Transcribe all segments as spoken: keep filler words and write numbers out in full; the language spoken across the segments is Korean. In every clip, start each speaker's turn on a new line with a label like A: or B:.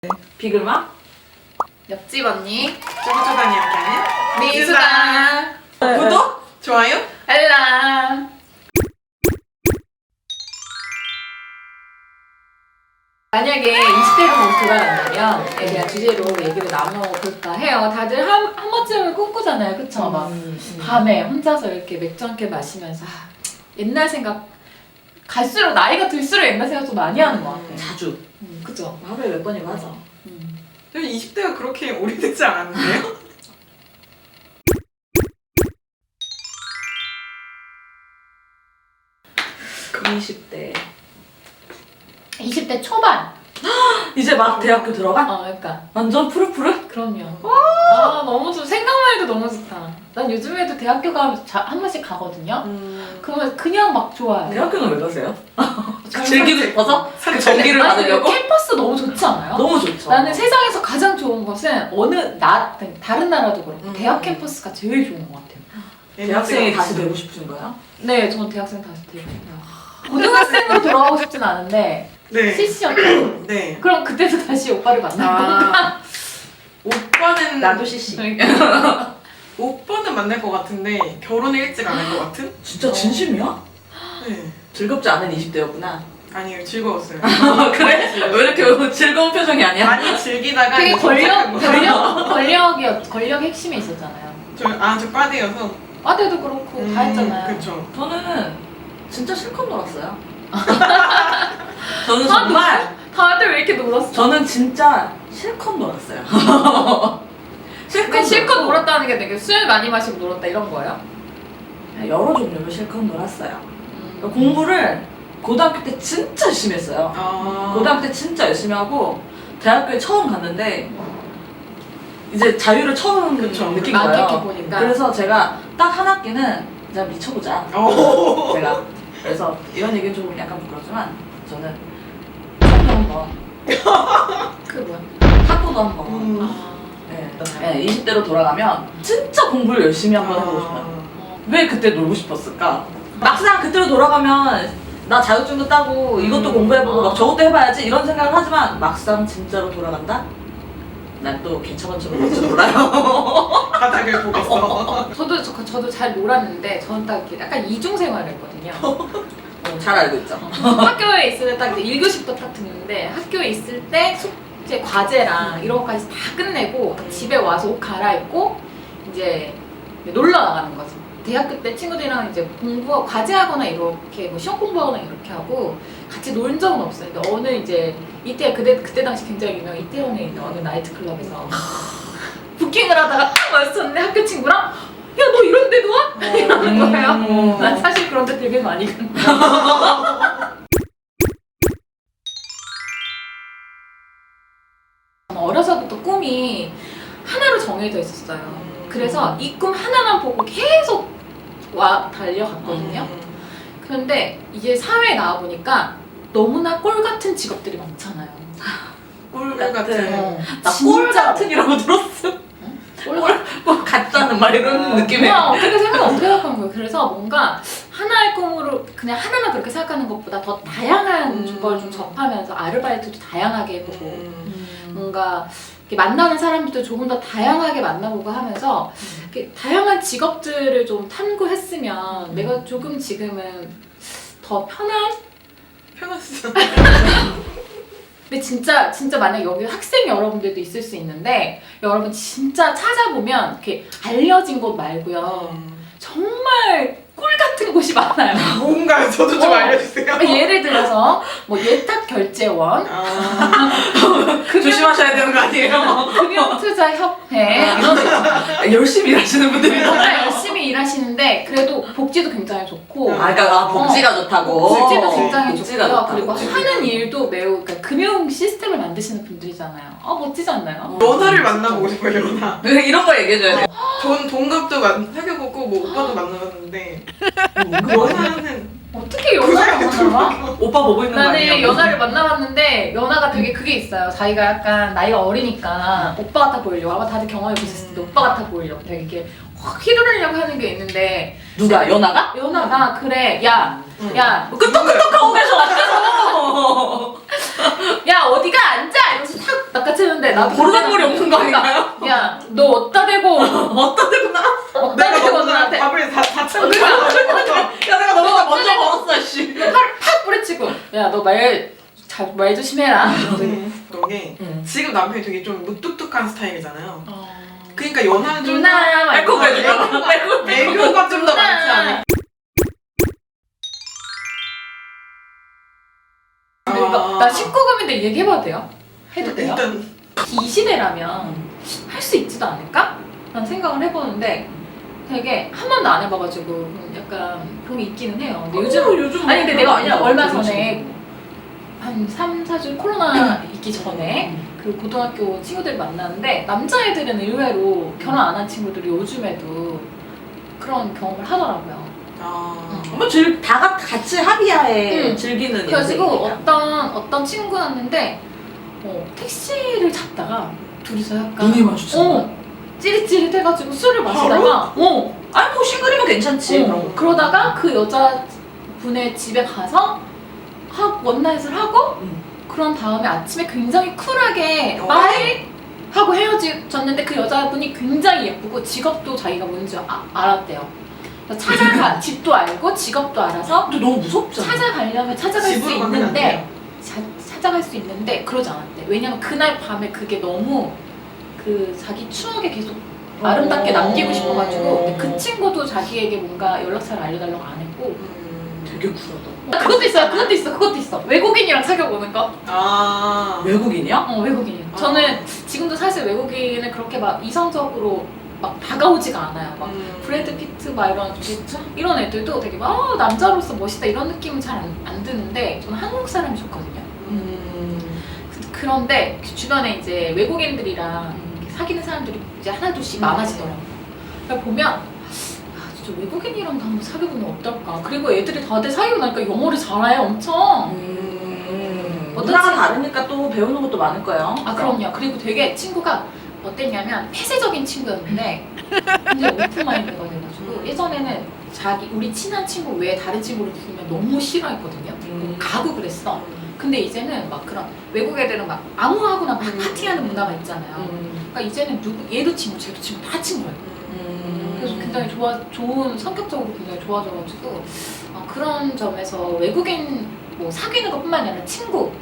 A: 비글마?
B: 옆집 언니
C: 쪼그쪼그하니 함께하는
B: 미수다
C: 구독! 좋아요?
B: 알람. 만약에 이십 대로 뭐 돌아간다면 에 대한 주제로 얘기를 나눠볼까 해요. 다들 한, 한 번쯤은 꿈꾸잖아요. 그쵸? 막
A: 음,
B: 밤에 혼자서 이렇게 맥주 한 캔 마시면서 아, 옛날 생각 갈수록 나이가 들수록 옛날 생각 좀 많이 하는 것 같아요.
A: 자주.
B: 음, 그쵸?
A: 하루에 몇 번이고 하죠.
B: 음.
C: 저는 이십 대가 그렇게 오래되지 않았는데요?
A: 이십 대.
B: 이십 대 초반.
A: 이제 막 대학교 들어가?
B: 어, 그러니까
A: 완전 푸릇푸릇?
B: 그럼요. 아 너무 좋. 생각만 해도 너무 좋다. 난 요즘에도 대학교 가면 자, 한 번씩 가거든요.
C: 음...
B: 그러면 그냥 막 좋아요.
A: 대학교는 왜 가세요?
B: 잘
A: 즐기고 싶어서? 그
C: 살-
A: 전기를
B: 아니,
A: 받으려고?
B: 캠퍼스 너무 좋지 않아요?
A: 너무 좋죠.
B: 나는 세상에서 가장 좋은 것은 어느 나 다른 나라도 그렇고
C: 음.
B: 대학 캠퍼스가 제일 좋은 것 같아요.
A: 대학생이 다시 되고 싶으신 거예요?
B: 네, 저는 대학생 다시 되고 싶어요. 고등학생으로 돌아가고 싶진 않은데
C: 네.
B: 씨씨였죠.
C: 네.
B: 그럼 그때도 다시 오빠를 만날 건가?
C: 아... 오빠는
A: 나도 씨씨.
B: 그러니까.
C: 오빠는 만날 것 같은데 결혼을 일찍 안 할 것 같은?
A: 진짜 진심이야?
C: 네.
A: 즐겁지 않은 이십 대였구나.
C: 아니에요. 즐거웠어요.
A: 그래? 왜 이렇게 즐거운 표정이 아니야?
C: 많이 즐기다가
B: 되게
C: 이제
B: 권력,
C: 도착한 거예요.
B: 권력, 권력이었, 권력 핵심에 있었잖아요.
C: 저, 아, 저 과대여서
B: 과대도 그렇고 다 했잖아요.
C: 그쵸.
A: 저는 진짜 실컷 놀았어요. 저는
B: 아,
A: 정말
B: 다들 왜 이렇게 놀았어?
A: 저는 진짜 실컷 놀았어요. 실컷,
B: 근데 실컷
A: 놀고
B: 놀았다는 게 되게 술 많이 마시고 놀았다 이런 거예요?
A: 여러 종류로 실컷 놀았어요.
B: 음.
A: 공부를 고등학교 때 진짜 열심히 했어요.
C: 아...
A: 고등학교 때 진짜 열심히 하고 대학교에 처음 갔는데 이제 자유를 처음
C: 그쵸.
A: 느낀
B: 막
A: 거예요.
B: 이렇게 보니까.
A: 그래서 제가 딱 한 학기는 진짜 미쳐보자.
C: 오.
A: 제가 그래서 이런 얘기는 좀 약간 부끄럽지만 저는 학교 한번
B: 그 뭐야?
A: 학교도 한번
C: 음.
B: 아.
A: 네. 네, 이십 대로 돌아가면 진짜 공부를 열심히 한번 해보고 싶어요.
B: 어.
A: 왜 그때 놀고 싶었을까? 막상 그때로 돌아가면 나 자격증도 따고 이것도
C: 음.
A: 공부해보고
B: 아.
A: 막 저것도 해봐야지 이런 생각을 하지만 막상 진짜로 돌아간다? 난 또 개처럼처럼 놀지 몰라요.
C: 바닥을 보겠어.
B: 저도 저, 저도 잘 놀았는데 저는 딱 이렇게 약간 이중 생활을 했거든요.
A: 어, 잘 알고 있죠.
B: 학교에 있을 때 딱 일 교시부터 딱 듣는데 학교에 있을 때 숙제 과제랑 이런 것까지 다 끝내고
C: 음.
B: 집에 와서 옷 갈아입고 이제 놀러 나가는 거죠. 대학교 때 친구들이랑 이제 공부 과제하거나 이렇게 뭐 시험 공부하거나 이렇게 하고 같이 놀 적은 없어요. 근데 어느 이제 이태 그때 그때 당시 굉장히 유명 이태원에 있는 어느 나이트 클럽에서 부킹을 하다가 딱 마주쳤는데 학교 친구랑 야 너 이런 데도 와? 이러는 거예요.
A: 음.
B: 난 사실 그런 데 되게 많이 간다. 어려서부터 꿈이 하나로 정해져 있었어요. 그래서 이 꿈 하나만 보고 계속 와 달려갔거든요.
C: 음.
B: 그런데 이제 사회에 나와 보니까 너무나 꼴 같은 직업들이 많잖아요.
C: 꿀
A: 같은.
C: 같은.
B: 어,
A: 나꼴
B: 진짜
A: 같은이라고 들었어.
B: 꼴
A: 꼴 같다는 말 이런 느낌에.
B: 그냥 어떻게 생각 어떻게 생각하는 거예요. 그래서 뭔가 하나의 꿈으로 그냥 하나만 그렇게 생각하는 것보다 더 다양한
C: 음.
B: 걸 좀 접하면서 아르바이트도 다양하게 해보고
C: 음.
B: 뭔가 이렇게 만나는 사람들도 조금 더 다양하게 만나보고 하면서 이렇게 다양한 직업들을 좀 탐구했으면
A: 음.
B: 내가 조금 지금은 더 편한.
C: 편하시죠?
B: 근데 진짜 진짜 만약 여기 학생 여러분들도 있을 수 있는데 여러분 진짜 찾아보면 이렇게 알려진 곳 말고요
C: 음.
B: 정말 꿀 같은 곳이 많아요.
C: 뭔가요? 저도 좀
B: 어.
C: 알려주세요.
B: 예를 들어서 뭐 예탁 결제원,
C: 아.
B: 금융,
A: 조심하셔야 되는 거 아니에요?
B: 금융투자협회 이런 데 있잖아요.
A: 열심히 일하시는 분들이.
B: 정말 열심히 일하시는데 그래도 복지도 굉장히 좋고
A: 아, 그러니까 아, 복지가 좋다고.
B: 복지도 굉장히
A: 복지가
B: 좋고요.
A: 좋다고.
B: 그리고 하는 일도 매우 그러니까 금융 시스템을 만드시는 분들이잖아요. 아 멋지지 않나요?
C: 연하를 만나보고 싶어요, 연하.
A: 네, 이런 거 얘기해줘야 돼.
C: 전 동갑도 만, 사귀어보고 뭐 오빠도 만나봤는데 연하는
B: 어떻게 연하를 만나봐?
A: 오빠 보고 있는 거 아니에요?
B: 나는 연하를 만나봤는데 연하가 되게 그게 있어요. 자기가 약간 나이가 어리니까 오빠 같아 보이려고 아마 다들 경험해 보셨을 텐데 오빠 같아 보이려고 되게 이렇게 확 휘두르려고 하는 게 있는데
A: 누가? 연하가?
B: 연하가 그래 야
C: 응.
B: 야,
A: 끄떡끄떡 하고 계셔 앞에서.
B: 야 어디가 앉아 이러면서 탁 낚아채는데 나도
A: 버르장머리 없는 거 아닌가요?
B: 야, 너 어디다 대고
A: 어떤 데구나?
B: 어디다
C: 내가
B: 대고
C: 먼저
B: 나한테
C: 밥을 다, 다 채워.
B: 그러니까
A: 야 내가 너보다 먼저 먹었어 씨.
B: 팍 뿌리치고 야, 너 말 잘 말 조심해라.
C: 너게
A: 응.
C: 지금 남편이 되게 좀 무뚝뚝한 스타일이잖아요.
B: 어...
C: 그러니까 연하는 좀
B: 누나 막
A: 빼고
B: 이러면서
A: 빼고 빼고 빼고.
C: 애교가 좀 더 많지
B: 누나.
C: 않을까?
B: 그러니까 나 십구 금인데 얘기해봐도 돼요? 해도 돼요?
C: 일단
B: 이 시대라면 할 수 있지도 않을까? 라는 생각을 해보는데 되게 한 번도 안 해봐가지고 약간 그런 게 있기는 해요. 근데 요즘
A: 요즘 요즘
B: 아니 근데 내가 아니라 얼마
A: 그렇지.
B: 전에 한 삼, 사 주 코로나 있기 전에 그 고등학교 친구들 만났는데 남자애들은 의외로 결혼 안 한 친구들이 요즘에도 그런 경험을 하더라고요.
C: 아
A: 뭐 즐, 다 같- 같이 합의하에
B: 응.
A: 즐기는
B: 그래가지고
A: 인생이니까.
B: 어떤 어떤 친구였는데 어, 택시를 잡다가 둘이서 약간
A: 눈이 마주쳤나?
B: 어, 찌릿찌릿해가지고 술을 마시다가 어,
A: 아니 뭐 싱글이면 괜찮지.
B: 어,
A: 그런 거.
B: 그러다가 그 여자분의 집에 가서 하, 원나잇을 하고
A: 응.
B: 그런 다음에 아침에 굉장히 쿨하게
C: 어.
B: 빠이 하고 헤어졌는데 그 여자분이 굉장히 예쁘고 직업도 자기가 뭔지 아, 알았대요. 그래서 찾아가 집도 알고 직업도 알아서
A: 근데 너무 무섭잖아.
B: 찾아가려면 찾아갈 수
C: 집으로 가면 안
B: 있는데
C: 돼요.
B: 자, 찾아갈 수 있는데 그러지 않았대. 왜냐면 그날 밤에 그게 너무 그 자기 추억에 계속 아름답게
A: 어.
B: 남기고 싶어가지고 근데 그 친구도 자기에게 뭔가 연락처를 알려달라고 안 했고
C: 음.
A: 되게 쿨하다.
B: 그것도 있어요. 그것도 있어. 그것도 있어. 외국인이랑 사귀어보는 거.
C: 아
A: 외국인이야?
B: 어, 외국인이요.
C: 아.
B: 저는 지금도 사실 외국인을 그렇게 막 이성적으로 막 다가오지가 않아요. 막
C: 음.
B: 브래드 피트 막 이런 이런 애들도 되게 막 어, 남자로서 멋있다 이런 느낌은 잘 안 안 드는데 저는 한국 사람이 좋거든요.
A: 음.
B: 그- 그런데 그 주변에 이제 외국인들이랑 이렇게 사귀는 사람들이 이제 하나둘씩
C: 음.
B: 많아지더라고요. 그러니까 보면 아, 진짜 외국인이랑도 한번 사귀어보면 어떨까. 그리고 애들이 다들 사귀고 나니까 영어를 잘해 엄청.
A: 음.
B: 어떤
A: 문화가
B: 친-
A: 다르니까 또 배우는 것도 많을 거예요.
B: 아 그럼요. 그리고 되게 친구가 어땠냐면 폐쇄적인 친구였는데 이제 오픈마인드가 돼가지고
C: 음.
B: 예전에는 자기 우리 친한 친구 외에 다른 친구를 부르면 너무 싫어했거든요.
A: 음.
B: 가고 그랬어. 근데 이제는 막 그런 외국 애들은 막 아무하고나 막
C: 음.
B: 파티하는 문화가 있잖아요.
A: 음.
B: 그러니까 이제는 누구 얘도 친구 쟤도 친구 다 친구예요.
A: 음.
B: 그래서 굉장히 좋아 좋은 성격적으로 굉장히 좋아져가지고 어, 그런 점에서 외국인 뭐 사귀는 것뿐만 아니라 친구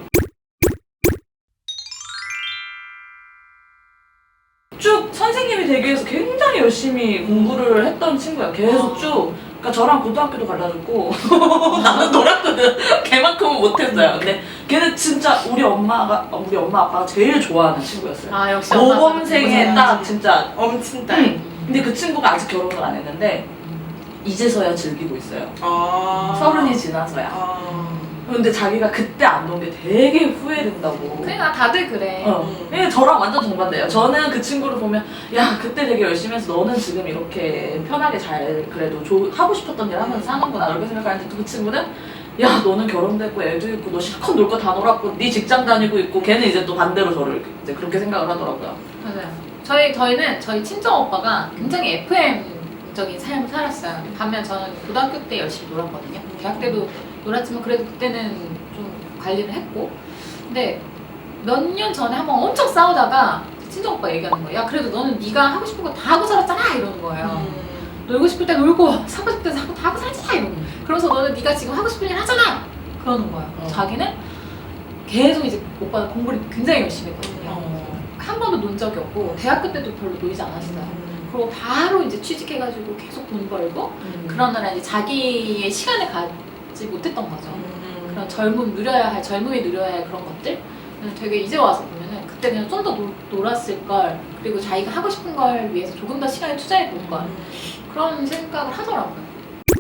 A: 쭉 선생님이 되기 위해서 굉장히 열심히 공부를 했던 친구야. 계속
C: 아.
A: 쭉. 그러니까 저랑 고등학교도 갈라졌고 나는 놀았거든. 걔만큼은 못했어요. 근데 걔는 진짜 우리 엄마가 우리 엄마 아빠가 제일 좋아하는 친구였어요.
B: 아 역시 엄마 아빠가
A: 모범생의
B: 공부
A: 딱
B: 잘하지.
A: 진짜.
C: 엄친딸.
A: 응. 근데 그 친구가 아직 결혼을 안 했는데 이제서야 즐기고 있어요.
C: 아
A: 서른이 지나서야.
C: 아
A: 근데 자기가 그때 안 놓은 게 되게 후회된다고.
B: 그러니까 다들 그래.
A: 어.
C: 음.
A: 네, 저랑 완전 정반대예요. 저는 그 친구를 보면 야 그때 되게 열심히 해서 너는 지금 이렇게 편하게 잘 그래도 조, 하고 싶었던 일 하면서 사는구나 이렇게 생각하는데 또 그 친구는 야 너는 결혼됐고 애도 있고 너 실컷 놀 거 다 놀았고 네 직장 다니고 있고 걔는 이제 또 반대로 저를 이제 그렇게 생각을 하더라고요.
B: 맞아요. 저희 저희는 저희 친정 오빠가 굉장히 에프엠적인 삶을 살았어요. 반면 저는 고등학교 때 열심히 놀았거든요. 대학 때도 놀았지만 그래도 그때는 좀 관리를 했고. 근데 몇 년 전에 한번 엄청 싸우다가 친정 오빠 얘기하는 거예요. 야 그래도 너는 네가 하고 싶은 거 다 하고 살았잖아 이러는 거예요.
C: 음.
B: 놀고 싶을 때 놀고 사고 싶을 때 사고 다 하고 살잖아 이러고. 그러면서 너는 네가 지금 하고 싶은 일 하잖아 그러는 거예요.
A: 어.
B: 자기는 계속 이제 오빠는 공부를 굉장히 열심히 했거든요.
A: 어.
B: 한 번도 논 적이 없고 대학교 때도 별로 놀지 않았어요. 그리고 바로 이제 취직해가지고 계속 돈 벌고
A: 음.
B: 그러느라 이제 자기의 시간을 갖지 못했던 거죠.
A: 음.
B: 그런 젊음 누려야 할 젊음이 누려야 할 그런 것들 되게 이제 와서 보면은 그때 그냥 좀 더 놀았을 걸 그리고 자기가 하고 싶은 걸 위해서 조금 더 시간을 투자해 볼 걸 그런 생각을 하더라고요.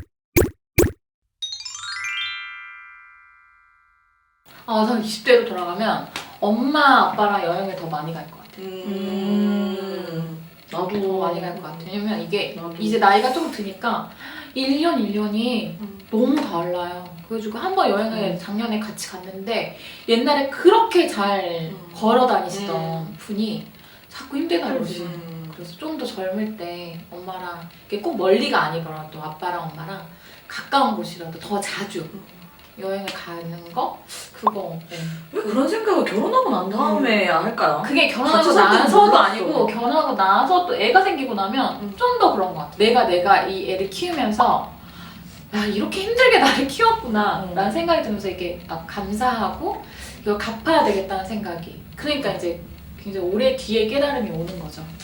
B: 아, 저는 이십 대로 돌아가면 엄마 아빠랑 여행을 더 많이 갈 것 같아요.
A: 음. 나도
B: 더 많이 갈 것 같아요. 왜냐면 이게
A: 나도.
B: 이제 나이가 좀 드니까 일 년 일 년이
C: 음.
B: 너무 달라요. 그래가지고 한 번 여행을
A: 음.
B: 작년에 같이 갔는데 옛날에 그렇게 잘
C: 음.
B: 걸어 다니시던
C: 음.
B: 분이 자꾸 힘들다고
A: 그러지.
B: 그러시는 거예요. 그래서 좀 더 젊을 때 엄마랑 이게 꼭 멀리가 아니더라도 아빠랑 엄마랑 가까운 곳이라도 더 자주 여행을 가는 거 그거 네.
A: 왜 그런 생각을 결혼하고 난 다음에 할까요?
B: 그게 결혼하고
A: 같이 살 때는
B: 나서도
A: 몰랐어.
B: 아니고 결혼하고 나서 또 애가 생기고 나면
C: 음.
B: 좀 더 그런 것 같아. 내가 내가 이 애를 키우면서 야 이렇게 힘들게 나를 키웠구나
A: 음.
B: 라는 생각이 들면서 이게 막 감사하고 이걸 갚아야 되겠다는 생각이 그러니까 이제 굉장히 오래 뒤에 깨달음이 오는 거죠.